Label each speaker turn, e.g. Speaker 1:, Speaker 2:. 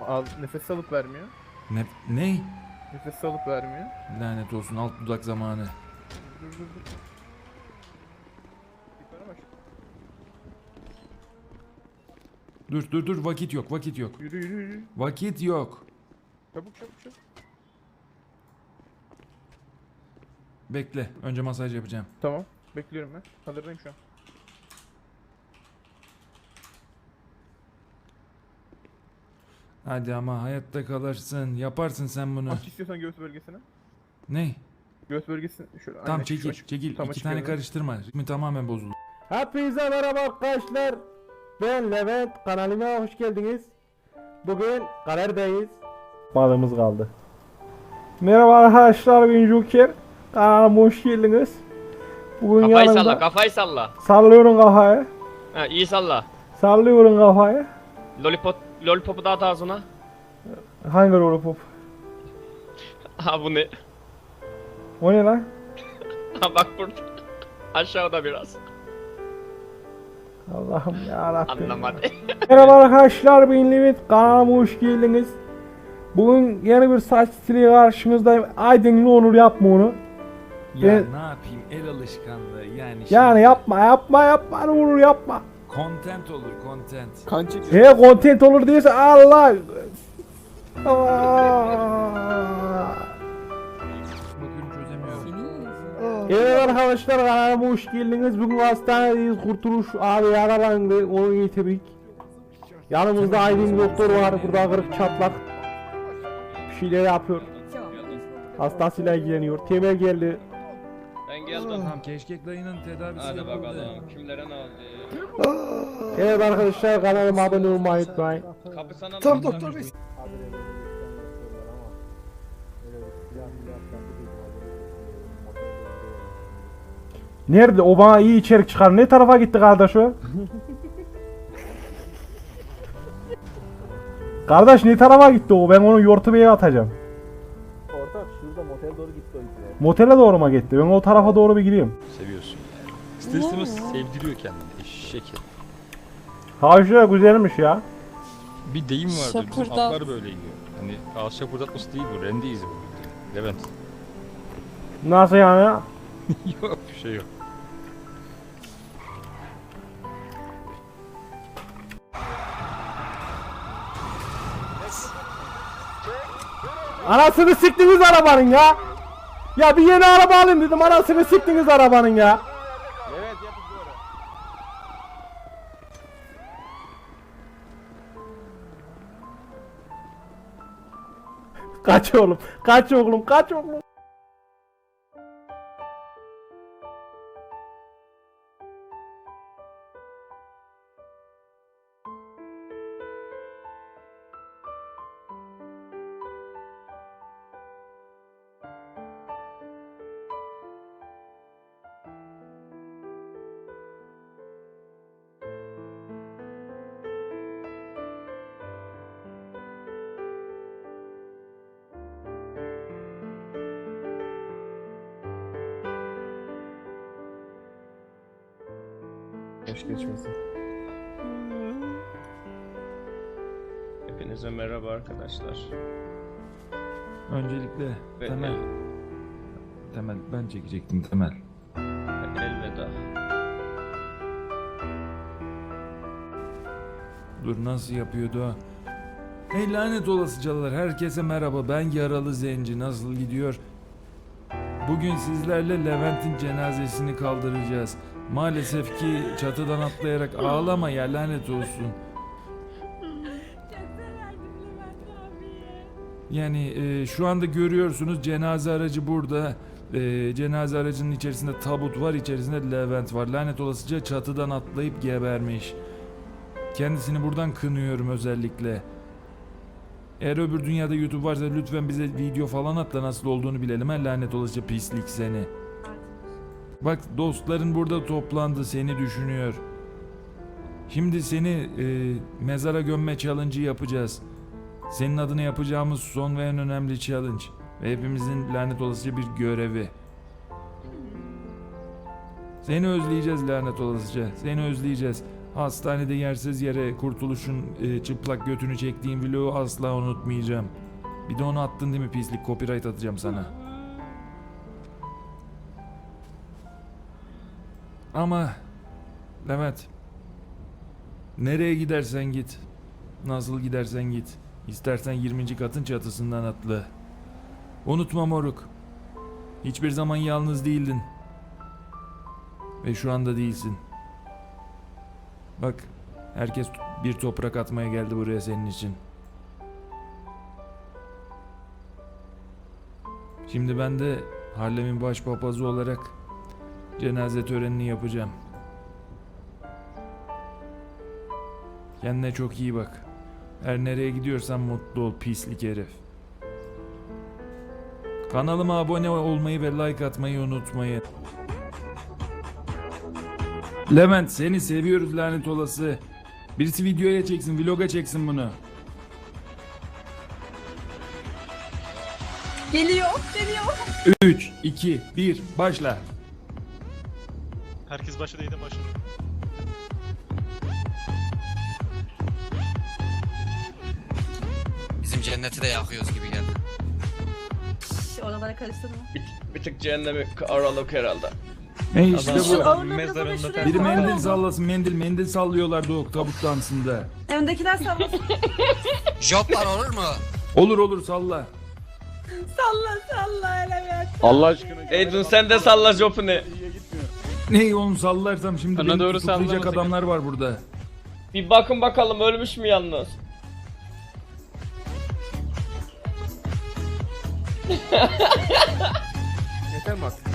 Speaker 1: Al, nefes alıp vermiyor.
Speaker 2: Ne?
Speaker 1: Nefes alıp vermiyor.
Speaker 2: Lanet olsun, alt dudak zamanı.
Speaker 1: Dur dur dur. Yukarı bak.
Speaker 2: Dur, vakit yok, vakit yok.
Speaker 1: Yürü yürü yürü.
Speaker 2: Vakit yok.
Speaker 1: Çabuk çabuk çabuk.
Speaker 2: Bekle, önce masaj yapacağım.
Speaker 1: Tamam. Bekliyorum ben. Hazırdayım şu an.
Speaker 2: Hadi ama hayatta kalırsın, yaparsın sen bunu.
Speaker 1: Aç istiyorsan göğüs bölgesine.
Speaker 2: Ne?
Speaker 1: Göğüs bölgesine şöyle.
Speaker 2: Tamam
Speaker 1: aynen,
Speaker 2: çekil,
Speaker 1: açık.
Speaker 2: çekil.
Speaker 1: Tam
Speaker 2: İki
Speaker 1: açık
Speaker 2: tane
Speaker 1: görünüyor.
Speaker 2: karıştırma. Ritmi tamamen bozuldu.
Speaker 3: Hepinize merhaba arkadaşlar. Ben Levent. Kanalıma hoş geldiniz. Bugün Karer'deyiz. Balımız kaldı. Merhaba arkadaşlar, ben Joker. Kanalıma hoş geldiniz. Bugün
Speaker 4: Kafayı
Speaker 3: yanımda
Speaker 4: salla, kafayı salla.
Speaker 3: sallıyorum kafayı.
Speaker 4: Ha, iyi salla.
Speaker 3: Sallıyorum kafayı.
Speaker 4: Lollipopu dağıt ağzına.
Speaker 3: Hangi lollipop?
Speaker 4: Ha bu ne?
Speaker 3: O ne lan?
Speaker 4: Ha bak burada. Aşağıda biraz.
Speaker 3: Allah'ım yarabbim.
Speaker 4: Anlamadı.
Speaker 3: Merhaba arkadaşlar, ben Levent. Kanalıma hoş geldiniz. Bugün yeni bir saç stili karşınızdayım. Aydınlı Onur, yapma onu.
Speaker 2: Ya
Speaker 3: Ben-
Speaker 2: ne yapayım, el alışkanlığı yani.
Speaker 3: Yani yapma ne olur yapma.
Speaker 2: Content olur, content.
Speaker 1: Kan çekiyor.
Speaker 3: He, content olur diyorsa Allah. Aa.
Speaker 2: Bakıyorum çözemiyorum.
Speaker 3: Evet arkadaşlar, kanalıma hoş geldiniz. Bugün hastanedeyiz. Kurtuluş abi yaralandı. Onu getirdik. Yanımızda Aydın doktor var. Burada kırık çatlak. Bir şeyler yapıyor. Hastasıyla ilgileniyor. Temel geldi.
Speaker 4: Ben geldim.
Speaker 2: Tamam, Keşkek dayının tedavisi
Speaker 4: Hadi
Speaker 2: yapıldı.
Speaker 4: bakalım. Kimlere ne oldu?
Speaker 3: Evet arkadaşlar, kanalıma abone olmayı unutmayın.
Speaker 4: Kapı sana
Speaker 1: Tam
Speaker 4: mı?
Speaker 1: doktor bey.
Speaker 3: Nerede? O bana iyi içerik çıkar. Ne tarafa gitti kardeş o? Kardeş ne tarafa gitti o? Ben onu Yortubey'e atacağım.
Speaker 1: Ortak şurada motel doğru gitti o yüzden.
Speaker 3: Motele doğru mu gitti? Ben o tarafa doğru bir gideyim.
Speaker 5: Seviyorsun yani. İster istemez sevdiriyor kendini. Eşek herif.
Speaker 3: Havşa güzelmiş ya.
Speaker 5: Bir deyim vardır. Bizim
Speaker 6: Şapırdat.
Speaker 5: atlar böyle yiyor. Hani ağız şapırdatması değil bu. Rende izi bu. Levent.
Speaker 3: Nasıl yani?
Speaker 5: Yok bir şey yok.
Speaker 3: Anasını siktiniz arabanın ya. Ya bir yeni araba alayım dedim, anasını siktiniz arabanın ya.
Speaker 1: Evet yapın doğru.
Speaker 3: Kaç oğlum, kaç oğlum, kaç oğlum.
Speaker 1: Hoş geçmesin.
Speaker 4: Hepinize merhaba arkadaşlar.
Speaker 2: Öncelikle
Speaker 4: Ve
Speaker 2: Temel ben çekecektim Temel.
Speaker 4: elveda.
Speaker 2: Dur, nasıl yapıyordu o? Hey lanet olasıcalar, herkese merhaba, ben Yaralı Zenci, nasıl gidiyor? Bugün sizlerle Levent'in cenazesini kaldıracağız. Maalesef ki çatıdan atlayarak, ağlama ya, lanet olsun. Yani şu anda görüyorsunuz, cenaze aracı burada. Cenaze aracının içerisinde tabut var, içerisinde Levent var. Lanet olasıca çatıdan atlayıp gebermiş. Kendisini buradan kınıyorum özellikle. Eğer öbür dünyada YouTube varsa lütfen bize video falan at da nasıl olduğunu bilelim. Ha, lanet olasıca pislik seni. Bak, dostların burada toplandı, seni düşünüyor. Şimdi seni mezara gömme challenge'ı yapacağız. Senin adına yapacağımız son ve en önemli challenge. Ve hepimizin lanet olasıca bir görevi. Seni özleyeceğiz lanet olasıca. Seni özleyeceğiz. Hastanede yersiz yere Kurtuluş'un çıplak götünü çektiğim vlogu asla unutmayacağım. Bir de onu attın değil mi pislik? Copyright atacağım sana. Ama Levent, nereye gidersen git, nasıl gidersen git, istersen 20. katın çatısından atla. Unutma moruk, hiçbir zaman yalnız değildin. Ve şu anda değilsin. Bak, herkes bir toprak atmaya geldi buraya senin için. Şimdi ben de Harlem'in başpapazı olarak cenaze törenini yapacağım. Kendine çok iyi bak. Her nereye gidiyorsan mutlu ol pislik herif. Kanalıma abone olmayı ve like atmayı unutmayın. Levent, seni seviyoruz lanet olası. Birisi videoya çeksin, vloga çeksin bunu.
Speaker 6: Geliyor.
Speaker 2: 3, 2, 1, başla.
Speaker 7: Herkes başladı yine başladı.
Speaker 8: Bizim cenneti de yakıyoruz gibi geldi.
Speaker 6: Oralara karıştırma.
Speaker 4: Bir tık cehennemi aralık herhalde.
Speaker 2: Ne işte
Speaker 6: Şu
Speaker 2: bu.
Speaker 6: ağırlığı biraz ama şuraya
Speaker 2: Biri
Speaker 6: koy.
Speaker 2: mendil sallasın, mendil sallıyorlardı o tabut dansında.
Speaker 6: Öndekiler sallasın.
Speaker 8: Joplar olur mu?
Speaker 2: Olur salla.
Speaker 6: Salla hele
Speaker 1: Allah aşkına.
Speaker 4: Eydun sen de salla jopunu.
Speaker 1: İyiye gitmiyor.
Speaker 2: Ne onu sallarsam şimdi
Speaker 5: Bana
Speaker 2: beni
Speaker 5: doğru
Speaker 2: tutuklayacak
Speaker 5: sallama
Speaker 2: adamlar var burada.
Speaker 4: Bir bakın bakalım ölmüş mü yalnız?
Speaker 1: Yeter mi artık?